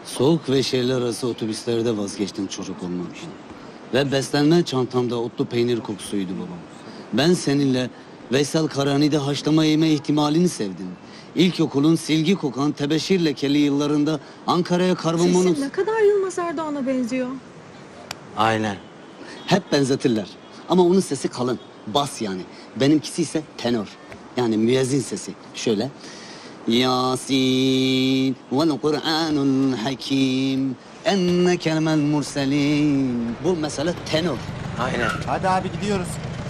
Soğuk ve şehirler arası otobüslerde vazgeçtim çocuk olmak için. Ve beslenme çantamda otlu peynir kokusuydu babam. Ben seninle Veysel Karani'de haşlama yeme ihtimalini sevdim. İlkokulun silgi kokan tebeşir lekeli yıllarında Ankara'ya karbonmonoks... Sesin ne kadar Yılmaz Erdoğan'a benziyor. Aynen. Hep benzetirler. Ama onun sesi kalın, bas yani. Benimkisi ise tenor. Yani müezzin sesi. Şöyle. Yasin vel Kur'anul Hakim enneke lemel murselin. Bu mesela tenor. Aynen. Hadi abi gidiyoruz.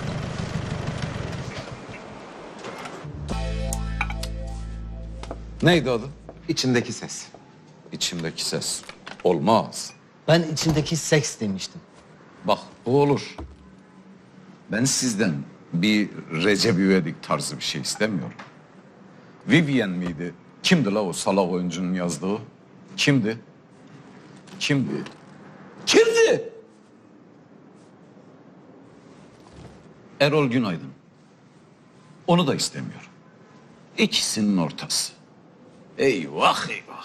Neydi adı? İçindeki ses. İçimdeki ses. Olmaz. Ben içindeki seks demiştim. Bak bu olur. Ben sizden bir Recep İvedik tarzı bir şey istemiyorum. Vivien miydi? Kimdi la o salak oyuncunun yazdığı? Kimdi? Kimdi? Kimdi? Erol Günaydın. Onu da istemiyorum. İkisinin ortası. Eyvah eyvah.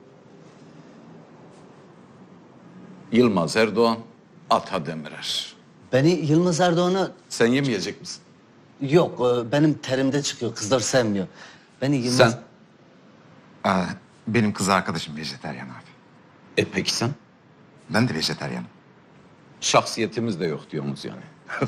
Yılmaz Erdoğan, Ata Demirer. Beni Yılmaz Erdoğan'a... Sen yemeyecek misin? Yok, benim terimde çıkıyor. Kızlar sevmiyor. Beni Yılmaz... Sen? Benim kız arkadaşım vejeteryan abi. Peki sen? Ben de vejeteryanım. Şahsiyetimiz de yok diyorsunuz yani.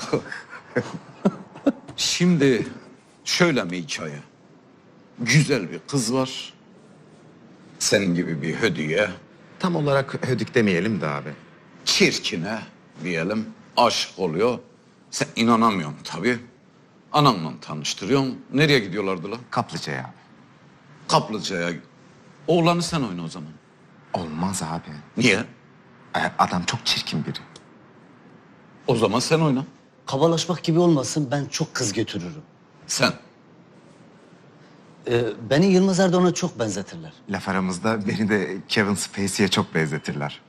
Şimdi şöyle bir hikaye. Güzel bir kız var. Senin gibi bir hediye. Tam olarak hödük demeyelim de abi. Çirkine diyelim aşık oluyor. Sen inanamıyorsun tabii. Anamla tanıştırıyorsun. Nereye gidiyorlardı lan? Kaplıca'ya abi. Kaplıca'ya. Oğlanı sen oyna o zaman. Olmaz abi. Niye? Adam çok çirkin biri. O zaman sen oyna. Kabalaşmak gibi olmasın, ben çok kız götürürüm. Sen. Beni Yılmaz Erdoğan'a çok benzetirler. Laf aramızda beni de Kevin Spacey'e çok benzetirler.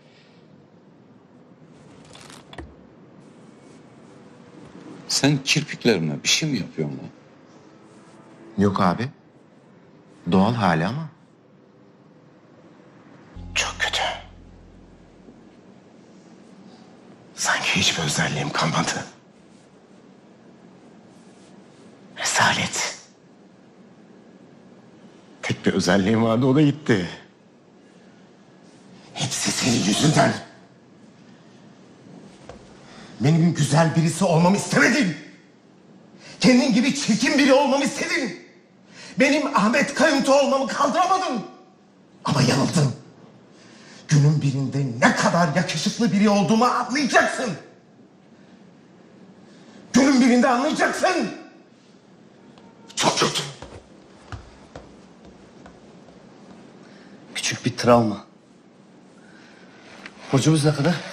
Sen kirpiklerine bir şey mi yapıyorsun lan? Yok abi. Doğal hali ama. Çok kötü. Sanki hiçbir özelliğim kalmadı. Rezalet. Tek bir özelliğim vardı, o da gitti. Hepsi senin yüzünden. Benim güzel birisi olmamı istemedin. Kendin gibi çirkin biri olmamı istedin. Benim Ahmet Kayıntı olmamı kaldıramadın. Ama yanıldın. Günün birinde ne kadar yakışıklı biri olduğumu anlayacaksın. Günün birinde anlayacaksın. Çok kötü. Küçük bir travma. Borcumuz ne kadar?